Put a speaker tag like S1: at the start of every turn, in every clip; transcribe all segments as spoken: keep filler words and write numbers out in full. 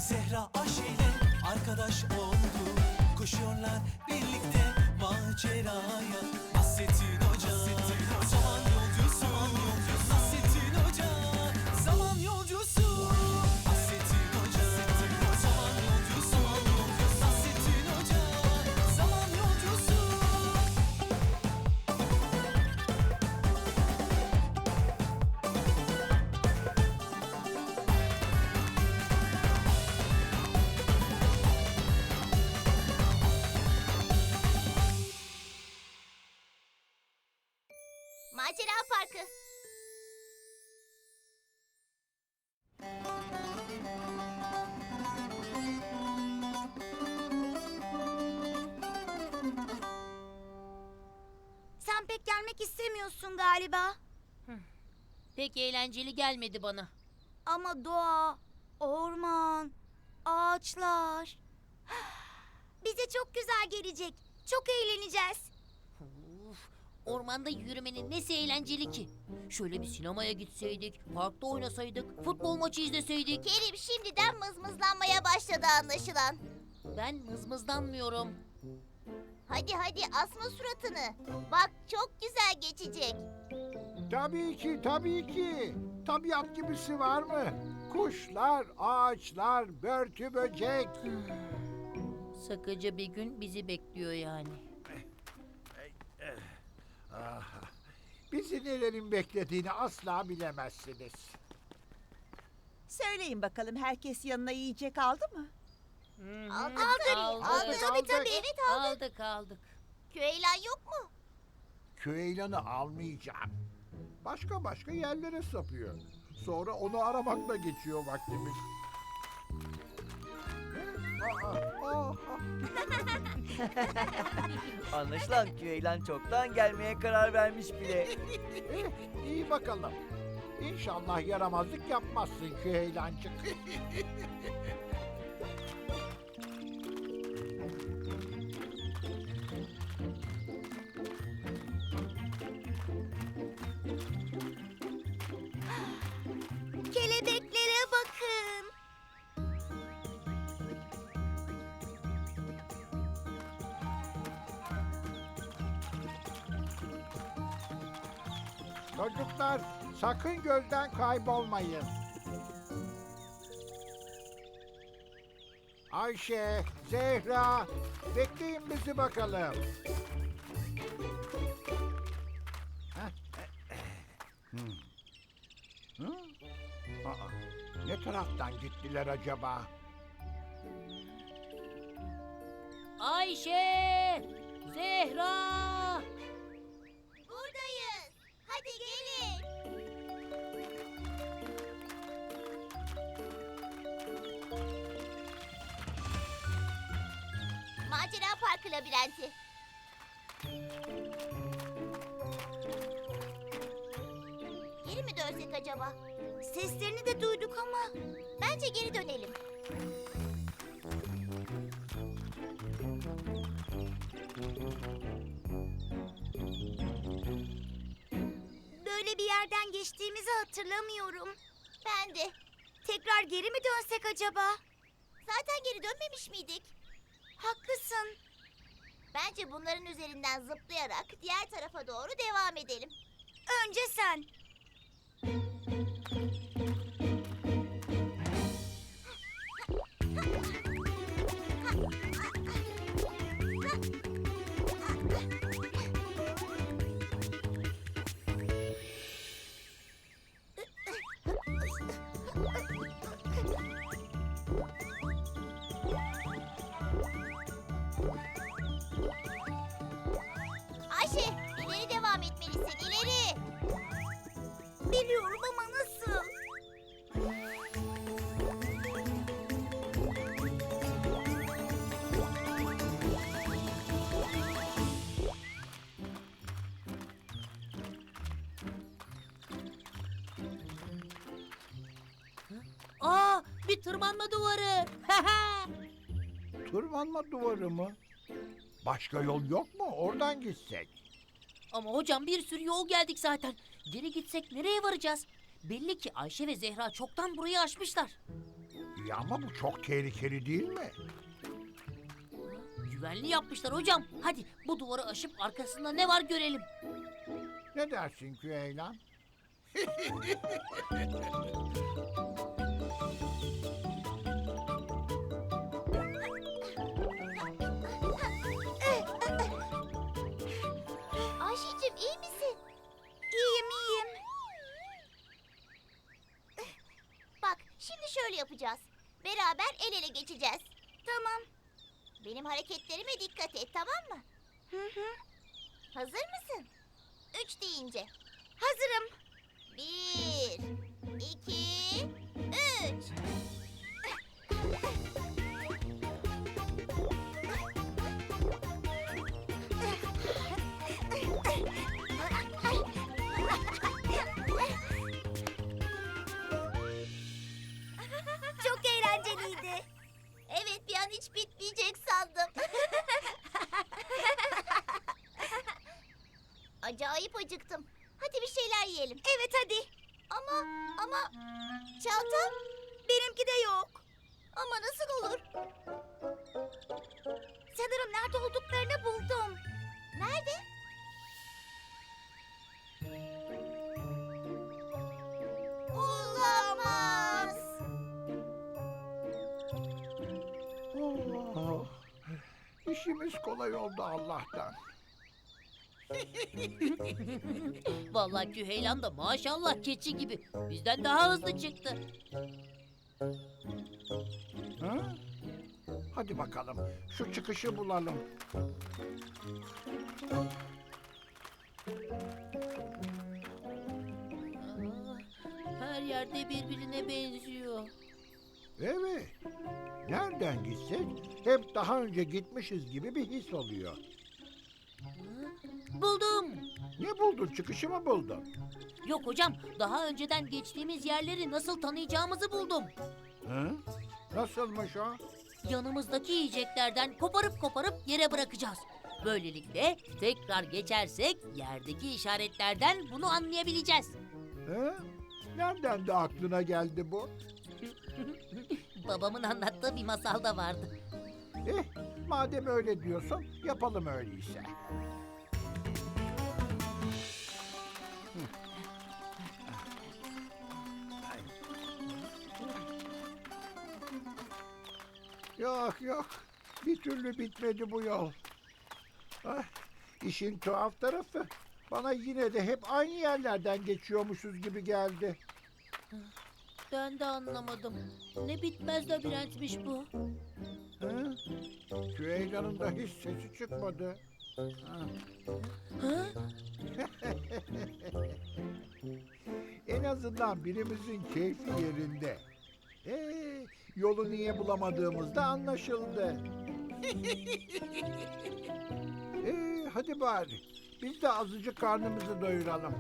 S1: Zehra Ayşe ile arkadaş oldu. Koşuyorlar birlikte maceraya. Nasrettin Hoca, zaman yolcusu. Nasrettin Hoca, zaman yolcusu. Nasrettin Hoca, zaman yolcusu. Nasrettin Hoca, zaman yolcusu.
S2: Macera Parkı.
S3: Sen pek gelmek istemiyorsun galiba.
S4: Pek eğlenceli gelmedi bana.
S3: Ama doğa, orman, ağaçlar. Bize çok güzel gelecek. Çok eğleneceğiz.
S4: Uf, ormanda yürümenin nesi eğlenceli ki? Şöyle bir sinemaya gitseydik, parkta oynasaydık, futbol maçı izleseydik.
S2: Kerim şimdiden mızmızlanmaya başladı anlaşılan.
S4: Ben mızmızlanmıyorum.
S2: Hadi hadi asma suratını. Bak çok güzel geçecek.
S5: Tabii ki, tabii ki. Tabiat gibisi var mı? Kuşlar, ağaçlar, börtü böcek.
S4: Sıkıcı bir gün bizi bekliyor yani.
S5: Ah, bizi nelerin beklediğini asla bilemezsiniz.
S6: Söyleyin bakalım, herkes yanına yiyecek aldı mı?
S2: Aldık.
S4: Aldık.
S2: Aldık.
S5: Aldık,
S2: Tabii
S5: aldık.
S2: tabii. Evet aldık.
S4: Aldık aldık.
S2: Köylan yok mu?
S5: Küheylan'ı almayacağım. Başka başka yerlere sapıyor. Sonra onu aramakla geçiyor vaktimiz. Aa, aa, aa.
S7: Anlaşılan Küheylan çoktan gelmeye karar vermiş bile.
S5: Eh, iyi bakalım. İnşallah yaramazlık yapmazsın Küheylancık.
S3: Kelebeklere bakın.
S5: Çocuklar sakın gözden kaybolmayın. Ayşe, Zehra, bekleyin bizi bakalım. Heh. Hmm. Hı? Aa, ne taraftan gittiler acaba?
S4: Ayşe! Zehra!
S2: Buradayız. Hadi gelin. Macera Parkı labirenti. Geri mi dönsek acaba?
S3: Seslerini de duyduk ama.
S2: Bence geri dönelim.
S3: Böyle bir yerden geçtiğimizi hatırlamıyorum.
S2: Ben de.
S3: Tekrar geri mi dönsek acaba?
S2: Zaten geri dönmemiş miydik?
S3: Haklısın.
S2: Bence bunların üzerinden zıplayarak diğer tarafa doğru devam edelim.
S3: Önce sen.
S2: Ayşe, ileri devam etmelisin, ileri.
S3: Biliyorum ama nasıl?
S4: Aa, bir tırmanma duvarı.
S5: Tırmanma duvarı mı? Başka yol yok mu? Oradan gitsek.
S4: Ama hocam bir sürü yol geldik zaten. Geri gitsek nereye varacağız? Belli ki Ayşe ve Zehra çoktan burayı aşmışlar.
S5: İyi ama bu çok tehlikeli değil mi?
S4: Güvenli yapmışlar hocam. Hadi bu duvarı aşıp arkasında ne var görelim.
S5: Ne dersin Küheylan?
S2: Ayşe'cim iyi misin?
S3: İyiyim iyiyim.
S2: Bak şimdi şöyle yapacağız. Beraber el ele geçeceğiz.
S3: Tamam.
S2: Benim hareketlerime dikkat et, tamam mı?
S3: Hı hı.
S2: Hazır mısın? Üç deyince.
S3: Hazırım.
S2: Bir, iki, üç.
S3: Çok eğlenceliydi.
S2: Evet, bir an hiç bitmeyecek sandım. Acayip acıktım. Hadi bir şeyler yiyelim.
S3: Evet hadi.
S2: Ama, ama çantam
S3: Benimki de yok.
S2: ama nasıl olur?
S3: Sanırım nerede olduklarını buldum.
S2: Nerede? Olamaz.
S5: Oh, işimiz kolay oldu Allah'tan.
S4: Vallahi Küheylan da maşallah keçi gibi. Bizden daha hızlı çıktı.
S5: Ha? Hadi bakalım şu çıkışı bulalım.
S4: Aa, her yerde birbirine benziyor.
S5: Evet. Nereden gitsek hep daha önce gitmişiz gibi bir his oluyor.
S4: Buldum.
S5: Ne buldun? Çıkışı mı buldun?
S4: Yok hocam, daha önceden geçtiğimiz yerleri nasıl tanıyacağımızı buldum.
S5: Hı? Nasılmış o?
S4: Yanımızdaki yiyeceklerden koparıp koparıp yere bırakacağız. Böylelikle tekrar geçersek yerdeki işaretlerden bunu anlayabileceğiz.
S5: Hı? Nereden de aklına geldi bu?
S4: Babamın anlattığı bir masalda vardı.
S5: Eh, madem öyle diyorsun yapalım öyleyse. Yok yok, bir türlü bitmedi bu yol. Ah, işin tuhaf tarafı, bana yine de hep aynı yerlerden geçiyormuşuz gibi geldi.
S4: Ben de anlamadım. Ne bitmez labirentmiş bu.
S5: Hı? Küheylan'ın da hiç sesi çıkmadı. Ha.
S4: Ha?
S5: En azından birimizin keyfi yerinde. Ee, yolu niye bulamadığımız da anlaşıldı. ee, hadi bari biz de azıcık karnımızı doyuralım.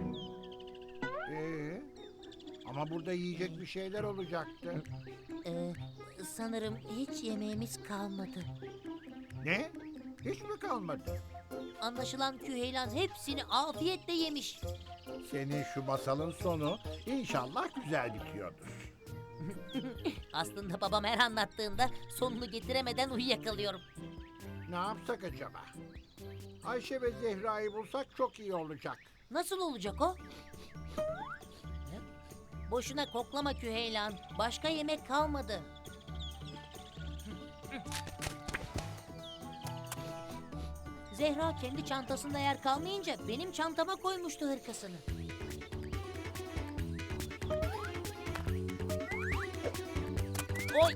S5: Ee, ama burada yiyecek bir şeyler olacaktı.
S4: Ee, sanırım hiç yemeğimiz kalmadı.
S5: Ne? Hiç mi kalmadı?
S4: Anlaşılan Küheylan hepsini afiyetle yemiş.
S5: Senin şu masalın sonu inşallah güzel bitiyordur.
S4: Aslında babam her anlattığında sonunu getiremeden uyuyakalıyorum.
S5: Ne yapsak acaba? Ayşe ve Zehra'yı bulsak çok iyi olacak.
S4: Nasıl olacak o? Boşuna koklama Küheylan. Başka yemek kalmadı. Zehra kendi çantasında yer kalmayınca benim çantama koymuştu hırkasını. Oy!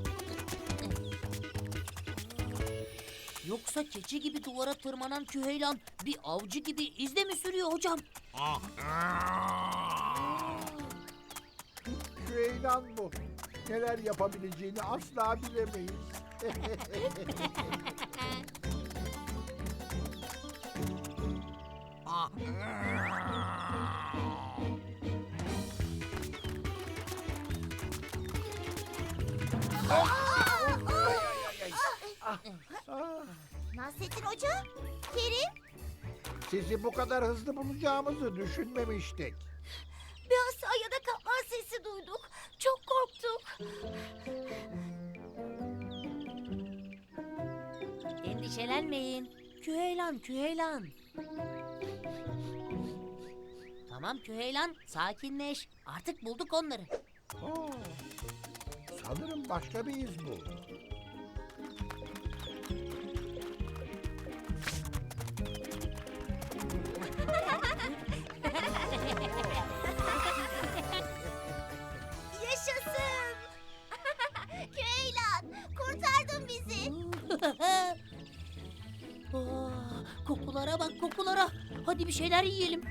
S4: Yoksa keçi gibi duvara tırmanan Küheylan bir avcı gibi izle mi sürüyor hocam?
S5: Küheylan bu. Neler yapabileceğini asla bilemeyiz. Ah,
S2: Nasrettin Hoca, Kerim.
S5: sizi bu kadar hızlı bulacağımızı düşünmemiştik.
S3: Bir hasta ya da kapmaz sesi duyduk. Çok korktuk.
S4: Endişelenmeyin. Küheylan, Küheylan. Tamam Küheylan, sakinleş. Artık bulduk onları.
S5: Aa, sanırım başka bir iz bu.
S3: Yaşasın.
S2: Küheylan, kurtardın bizi.
S4: Aa, kokulara bak kokulara. Hadi bir şeyler yiyelim.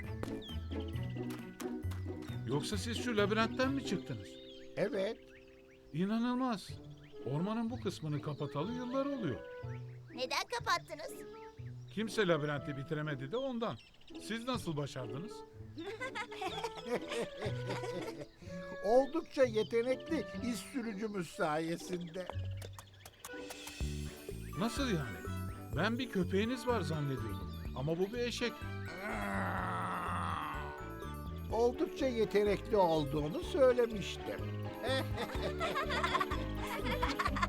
S8: Yoksa siz şu labirentten mi çıktınız?
S5: Evet,
S8: İnanılmaz. Ormanın bu kısmını kapatalı yıllar oluyor.
S2: Neden kapattınız?
S8: Kimse labirenti bitiremedi de ondan. Siz nasıl başardınız?
S5: oldukça yetenekli iz sürücümüz sayesinde.
S8: Nasıl yani? Ben bir köpeğiniz var zannediyordum. Ama bu bir eşek.
S5: Oldukça yetenekli olduğunu söylemiştim.